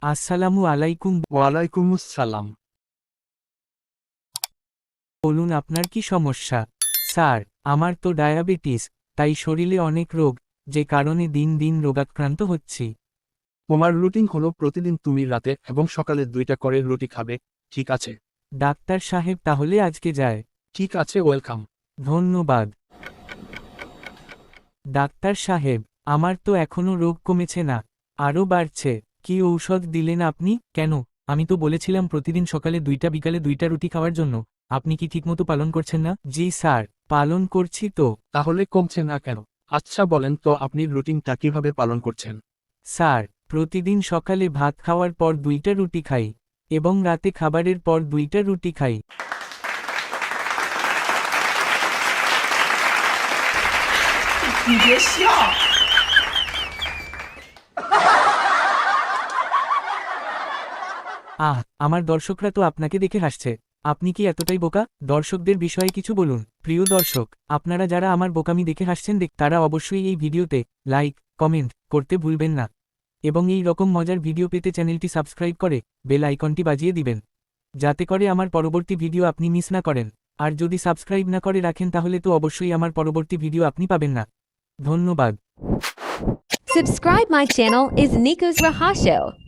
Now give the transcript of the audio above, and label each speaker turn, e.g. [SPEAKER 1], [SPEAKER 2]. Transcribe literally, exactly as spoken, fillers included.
[SPEAKER 1] আসসালামু আলাইকুম।
[SPEAKER 2] ওয়ালাইকুমুস সালাম।
[SPEAKER 1] বলুন আপনার কি সমস্যা? স্যার, আমার তো ডায়াবেটিস, তাই শরীরে অনেক রোগ, যে কারণে দিন দিন রোগাক্রান্ত হচ্ছি।
[SPEAKER 2] তোমার রুটিন হলো প্রতিদিন তুমি রাতে এবং সকালে দুইটা করে রুটি খাবে, ঠিক আছে?
[SPEAKER 1] ডাক্তার সাহেব, তাহলে আজকে যায়?
[SPEAKER 2] ঠিক আছে, ওয়েলকাম।
[SPEAKER 1] ধন্যবাদ। ডাক্তার সাহেব, আমার তো এখনো রোগ কমেছে না, আরও বাড়ছে। কি ঔষধ দিলেন আপনি? কেন, আমি তো বলেছিলাম প্রতিদিন সকালে দুইটা বিকালে দুইটা রুটি খাওয়ার জন্য। আপনি কি ঠিকমতো পালন করছেন না? জি স্যার, পালন করছি তো।
[SPEAKER 2] তাহলে কমছে না কেন? আচ্ছা বলেন তো আপনি রুটিনটা কিভাবে পালন করছেন?
[SPEAKER 1] স্যার, প্রতিদিন সকালে ভাত খাওয়ার পর দুইটা রুটি খাই, এবং রাতে খাবারের পর দুইটা রুটি খাই। আহ, আমার দর্শকরা তো আপনাকে দেখে হাসছে। আপনি কি এতটাই বোকা? দর্শকদের বিষয়ে কিছু বলুন। প্রিয় দর্শক, আপনারা যারা আমার বোকামি দেখে হাসছেন দেখ, তারা অবশ্যই এই ভিডিওতে লাইক, কমেন্ট করতে ভুলবেন না। এবং এই রকম মজার ভিডিও পেতে চ্যানেলটি সাবস্ক্রাইব করে বেল আইকনটি বাজিয়ে দিবেন, যাতে করে আমার পরবর্তী ভিডিও আপনি মিস না করেন। আর যদি সাবস্ক্রাইব না করে রাখেন তাহলে তো অবশ্যই আমার পরবর্তী ভিডিও আপনি পাবেন না। ধন্যবাদ।
[SPEAKER 3] Subscribe my channel is Nico's Rahasho.